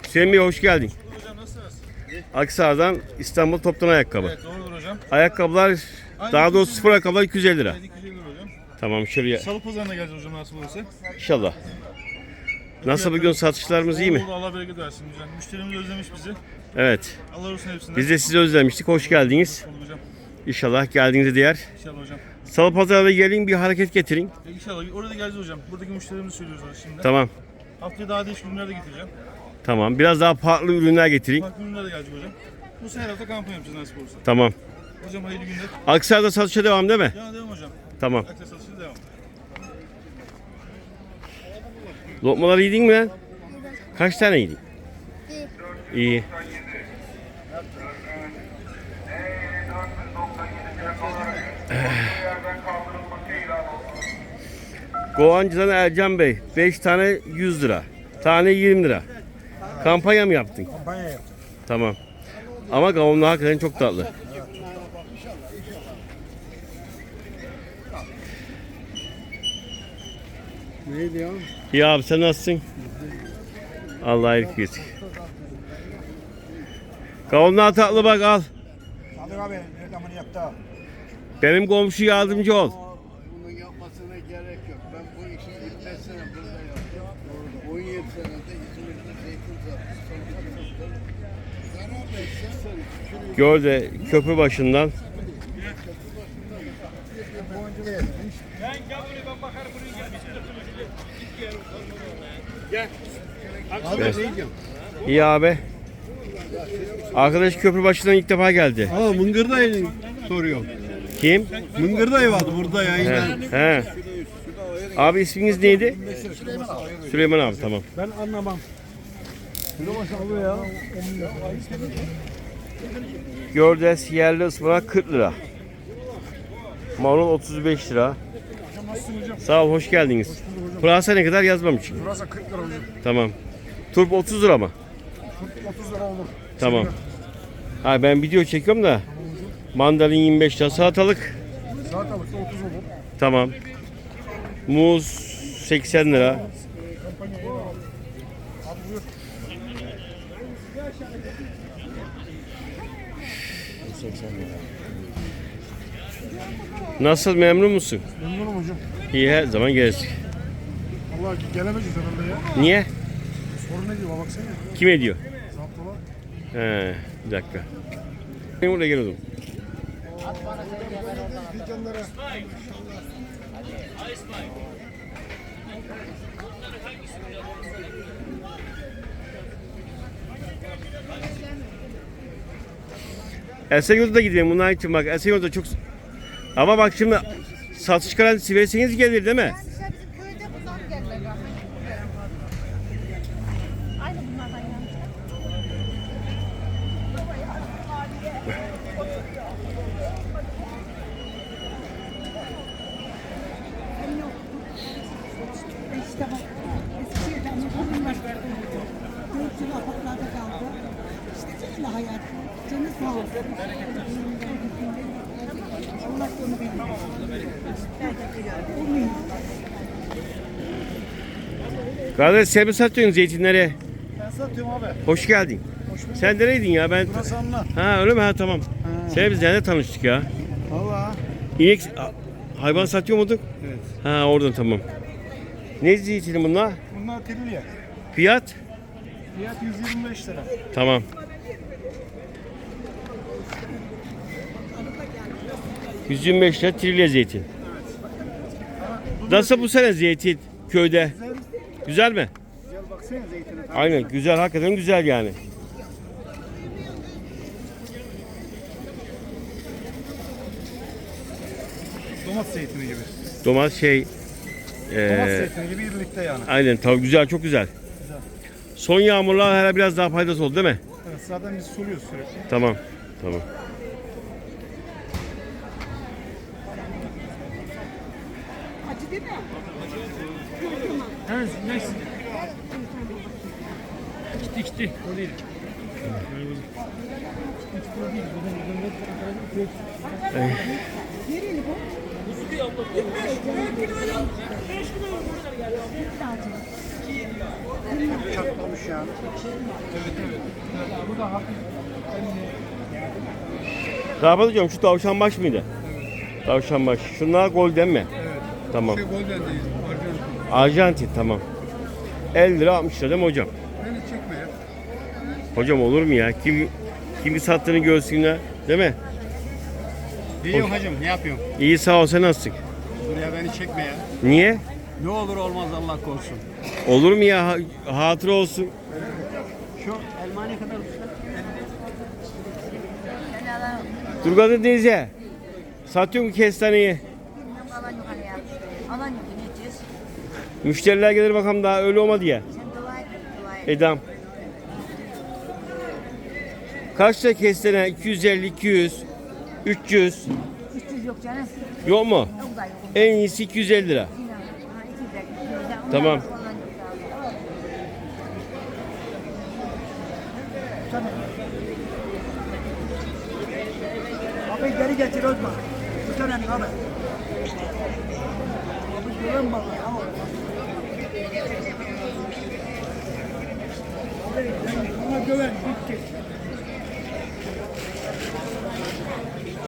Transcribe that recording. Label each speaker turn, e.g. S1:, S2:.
S1: Hüseyin Bey hoş geldin.
S2: Hocam nasılsınız?
S1: Aksaray'dan İstanbul toptan ayakkabı.
S2: Evet doğrudur hocam.
S1: Ayakkabılar, daha doğrusu sıfır ayakkabılar 250 lira.
S2: 250 lira hocam.
S1: Tamam şuraya
S2: Salı pazarına geleceğiz hocam nasıl olursa.
S1: inşallah. Nasıl bugün satışlarımız iyi mi?
S2: Oldu, Allah bereket versin hocam. Müşterimiz özlemiş bizi.
S1: Evet.
S2: Allah olsun hepsinden.
S1: Biz de sizi özlemiştik. Hoş geldiniz.
S2: Oldu hocam.
S1: İnşallah geldiğinizde diğer.
S2: İnşallah hocam.
S1: Salı pazarına gelin bir hareket getirin.
S2: İnşallah orada geleceğiz hocam. Buradaki müşterimizi söylüyoruz şimdi.
S1: Tamam.
S2: Haftaya daha değişik ürünler de getireceğim.
S1: Tamam. Biraz daha farklı ürünler getirin.
S2: Farklı ürünler de gelecek hocam. Bu sene hafta kampanya yapacağız nasip olursa.
S1: Tamam.
S2: Hocam hayırlı günler.
S1: Aksaray'da satışa devam değil mi?
S2: Devam hocam.
S1: Tamam.
S2: Akses satışına devam.
S1: Lokmaları yedin mi lan? Kaç tane yedin? İyi. Kovancı'dan Ercan Bey 5 tane 100 lira. Tane 20 lira. Kampanya mı yaptın?
S3: Kampanya yaptık.
S1: Tamam. Ama kavunlar hakikaten çok tatlı.
S3: Neydi ya?
S1: İyi abi sen nasılsın? Allah iyilik versin. Kavunlar tatlı bak al.
S3: Sadık abi reklamını yaptı.
S1: Benim komşu yardımcı ol.
S4: Bunun yapmasına gerek yok. Ben bu işi 25 sene burada yaptım. 17 senede İzmir'de zeytin sattım.
S1: Gör de köprü başından.
S3: Abi ne diyeceğim?
S1: İyi abi. Arkadaş köprü başından ilk defa geldi.
S3: Aa Mıngır dayı soruyor.
S1: Kim?
S3: Mıngır dayı vardı burada ya.
S1: He. Abi isminiz neydi? Süleyman abi tamam.
S3: Ben anlamam. Abi ya.
S1: Gördes yerli ıspanak 40 lira. Marul 35 lira. Sağ ol hoş geldiniz. Pırasa ne kadar yazmamışım.
S3: Burası 40 lira hocam.
S1: Tamam. Turp 30 lira mı?
S3: 30 lira olur.
S1: Tamam. Ha ben video çekiyorum da. Mandalin 25 lira, salatalık.
S3: Salatalık da 30 olur.
S1: Tamam. Muz 80 lira. Nasıl memnun musun?
S3: Memnunum hocam.
S1: İyi her zaman gelirsin.
S3: Allah gelemeyeceğiz herhalde ya.
S1: Niye?
S3: Sorun ne diyor baksana.
S1: Kim ediyor?
S3: Zaptolar.
S1: He, bir dakika. Ben buraya geliyordum. Esenyurt'a gideyim bunlar için bak. Esenyurt'ta çok... Ama bak şimdi satış garantisi verirseniz gelir değil mi?
S5: Yani işte bizim köyde bundan gelirler. Aynı bunlardan yani.
S6: İşte bak, Eskişehir'den yapalım başladı. 4 yıl apartlarda kaldı. İşte böyle hayat. Canı sağ olsun. Allah onu bilmiyor. Olmuyor.
S1: Kardeş sen mi satıyorsun zeytinleri?
S3: Ben satıyorum abi.
S1: Hoş geldin. Sen nereydin ya? Ben...
S3: Burası anla.
S1: Ha öyle mi? Ha tamam. Sen biz nerede tanıştık ya?
S3: Valla.
S1: İnek... Hayvan satıyor muyduk?
S3: Evet.
S1: Ha oradan tamam. Ne zeytini bunlar?
S3: Bunlar trilye.
S1: Fiyat?
S3: Fiyat 125 lira.
S1: Tamam. ...125 lira trilye zeytin. Nasıl bu sene zeytin köyde? Güzel mi?
S3: Gel baksana zeytine.
S1: Aynen güzel, hakikaten güzel yani.
S3: Domates zeytini gibi.
S1: Domates şey...
S3: Domates zeytini gibi birlikte yani.
S1: Aynen tabii güzel, çok güzel. Son yağmurlar hala biraz daha faydası oldu değil mi?
S3: Evet, zaten biz suluyoruz sürekli.
S1: Tamam. Tamam.
S6: Acı değil mi?
S2: Evet neyse. İçti. O değil.
S6: Nereli bu?
S3: Çatlamış yani.
S1: Rahmet hocam şu tavşan baş mıydı? Tavşan baş. Şunlar golden mi? Tamam.
S3: Golden değil.
S1: Arjantin tamam. 50 lira 60 lira değil mi hocam?
S3: Beni çekme ya.
S1: Hocam olur mu ya? Kimi sattığını görsünler değil mi?
S3: İyi hacım ne yapıyorsun?
S1: İyi sağ ol, sen nasılsın?
S3: Buraya beni çekme ya.
S1: Niye?
S3: Ne olur olmaz Allah korusun.
S1: Olur mu ya? Hatıra olsun.
S3: Şu elma ne kadar?
S1: Durgadı teyze. Satıyor mu kestaneyi?
S5: Alan yok hani ya. Alan yok ne diyeceğiz?
S1: Müşteriler gelir bakalım, daha öyle olmadı ya.
S5: Sen dua et. Dua et.
S1: Edam. Kaç lira kestane? 250, 200, 300.
S5: 300 yok canım.
S1: Yok mu?
S5: Yok da yok.
S1: En iyisi 250 lira.
S5: Ha, 200 lira.
S1: Tamam.
S6: Abi geri getir Özma. Bu tane abi. Abi güven bak ya. Bana güven. Bitti.